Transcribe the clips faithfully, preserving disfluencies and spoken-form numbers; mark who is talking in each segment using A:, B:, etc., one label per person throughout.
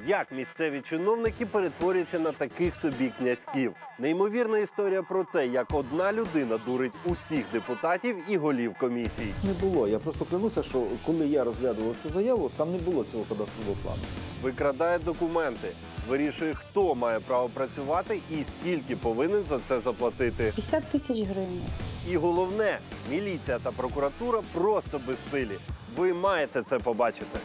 A: Як місцеві чиновники перетворюються на таких собі князьків? Неймовірна історія про те, як одна людина дурить усіх депутатів і голів комісій.
B: Не було. Я просто клянуся, що коли я розглядував цю заяву, там не було цього кадастрового плану.
A: Викрадає документи, вирішує, хто має право працювати і скільки повинен за це заплатити.
C: п'ятдесят тисяч гривень.
A: І головне, міліція та прокуратура просто безсилі. Ви маєте це побачити.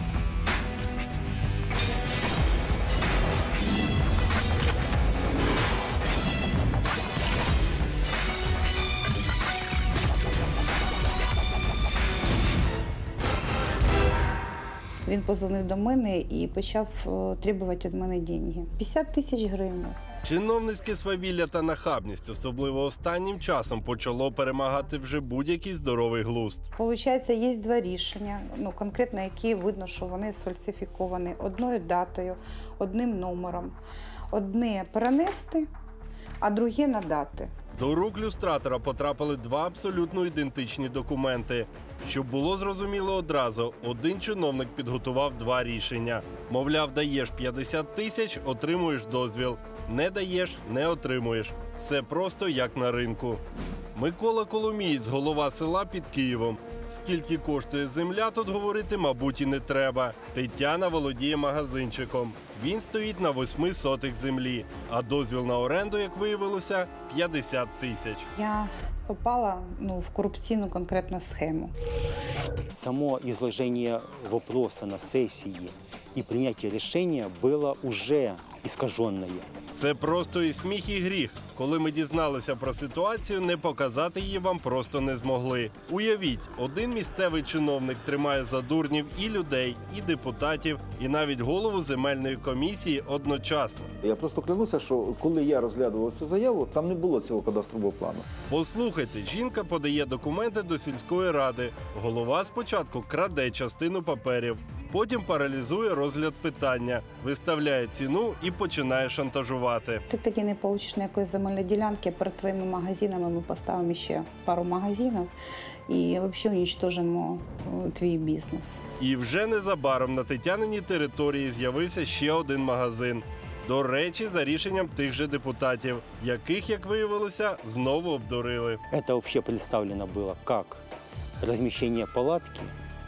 C: Він подзвонив до мене і почав требувати від мене гроші. п'ятдесят тисяч гривень.
A: Чиновницьке свавілля та нахабність, особливо останнім часом, почало перемагати вже будь-який здоровий глузд.
C: Получається, є два рішення, ну, конкретно які видно, що вони сфальсифіковані одною датою, одним номером. Одне перенести, а друге надати.
A: До рук люстратора потрапили два абсолютно ідентичні документи. Щоб було зрозуміло одразу, один чиновник підготував два рішення. Мовляв, даєш п'ятдесят тисяч – отримуєш дозвіл. Не даєш – не отримуєш. Все просто як на ринку. Микола Коломієць, голова села під Києвом. Скільки коштує земля, тут говорити, мабуть, і не треба. Тетяна володіє магазинчиком. Він стоїть на восьми сотих землі, а дозвіл на оренду, як виявилося, п'ятдесят тисяч.
C: Я попала ну, в корупційну конкретну схему.
D: Само изложение вопроса на сессии и принятие решения было уже искаженное.
A: Це просто і сміх, і гріх. Коли ми дізналися про ситуацію, не показати її вам просто не змогли. Уявіть, один місцевий чиновник тримає за дурнів і людей, і депутатів, і навіть голову земельної комісії одночасно.
B: Я просто клянуся, що коли я розглядував цю заяву, там не було цього кадастрового плану.
A: Послухайте, жінка подає документи до сільської ради. Голова спочатку краде частину паперів, потім паралізує розгляд питання, виставляє ціну і починає шантажувати.
C: Ти таки не получиш ніякої земельної ділянки, перед твоїми магазинами ми поставимо ще пару магазинів і взагалі уничтожимо твій бізнес.
A: І вже незабаром на Тетяниній території з'явився ще один магазин. До речі, за рішенням тих же депутатів, яких, як виявилося, знову обдурили.
D: Это вообще представлено было как размещение палатки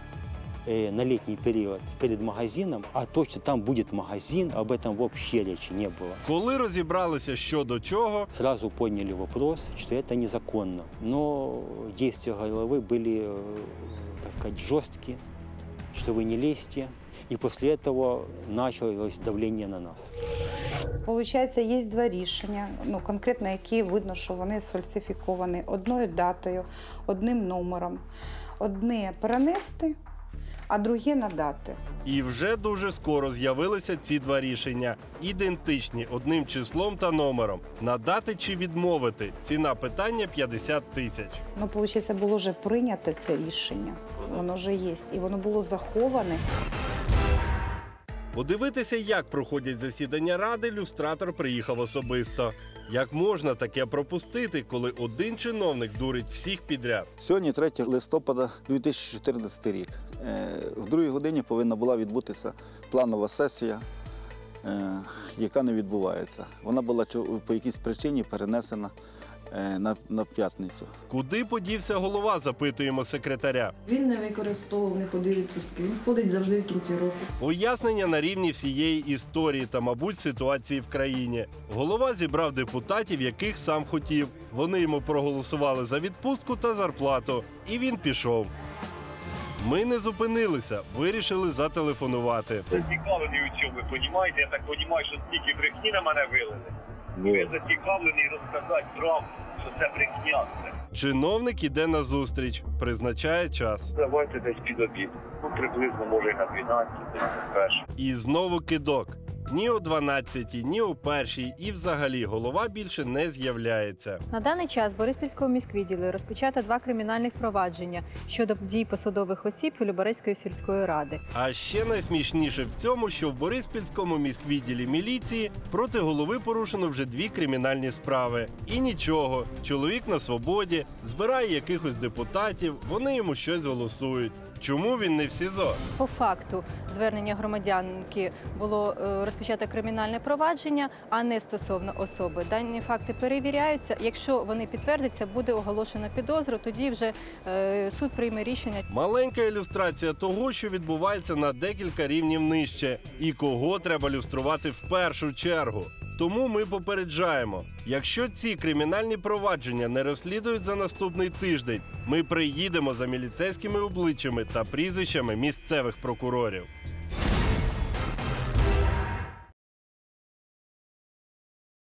D: на летний период перед магазином, а то, что там будет магазин, об этом вообще речи не было.
A: Коли розібралися, що до чого,
D: сразу подняли вопрос, что это незаконно. Но действия головы были, так сказать, жесткие, что вы не лезьте. И после этого началось давление на нас.
C: Получається, є два рішення, ну, конкретно які видно, що вони сфальсифіковані одною датою, одним номером. Одне перенести, а друге надати.
A: І вже дуже скоро з'явилися ці два рішення. Ідентичні одним числом та номером. Надати чи відмовити. Ціна питання п'ятдесят тисяч.
C: Ну, виходить, було вже прийнято це рішення. Воно вже є. І воно було заховане.
A: Подивитися, як проходять засідання ради, люстратор приїхав особисто. Як можна таке пропустити, коли один чиновник дурить всіх підряд?
B: Сьогодні третього листопада дві тисячі чотирнадцятий рік. В другій годині повинна була відбутися планова сесія, яка не відбувається. Вона була по якійсь причині перенесена на, на п'ятницю.
A: Куди подівся голова, запитуємо секретаря.
E: Він не використовував, не ходив відпустки. Він ходить завжди в кінці року.
A: Пояснення на рівні всієї історії та, мабуть, ситуації в країні. Голова зібрав депутатів, яких сам хотів. Вони йому проголосували за відпустку та зарплату. І він пішов. Ми не зупинилися, вирішили зателефонувати.
F: Зацікавлений у цьому, ви розумієте? Я так розумію, що стільки брехні на мене вилили. Ви зацікавлений розказати правду, що це брехня.
A: Чиновник іде на зустріч, призначає час.
F: Давайте десь під обід. Ну, приблизно, може, і на дванадцять, на перше.
A: І знову кидок. Ні о дванадцятій, ні о першій і взагалі голова більше не з'являється.
G: На даний час в Бориспільському міськвідділі розпочато два кримінальних провадження щодо дій посадових осіб Люберецької сільської ради.
A: А ще найсмішніше в цьому, що в Бориспільському міськвідділі міліції проти голови порушено вже дві кримінальні справи. І нічого, чоловік на свободі, збирає якихось депутатів, вони йому щось голосують. Чому він не в СІЗО?
G: По факту звернення громадянки було е, розпочато кримінальне провадження, а не стосовно особи. Дані факти перевіряються. Якщо вони підтвердяться, буде оголошено підозру, тоді вже е, суд прийме рішення.
A: Маленька ілюстрація того, що відбувається на декілька рівнів нижче. І кого треба люструвати в першу чергу. Тому ми попереджаємо, якщо ці кримінальні провадження не розслідують за наступний тиждень, ми приїдемо за міліцейськими обличчями та прізвищами місцевих прокурорів.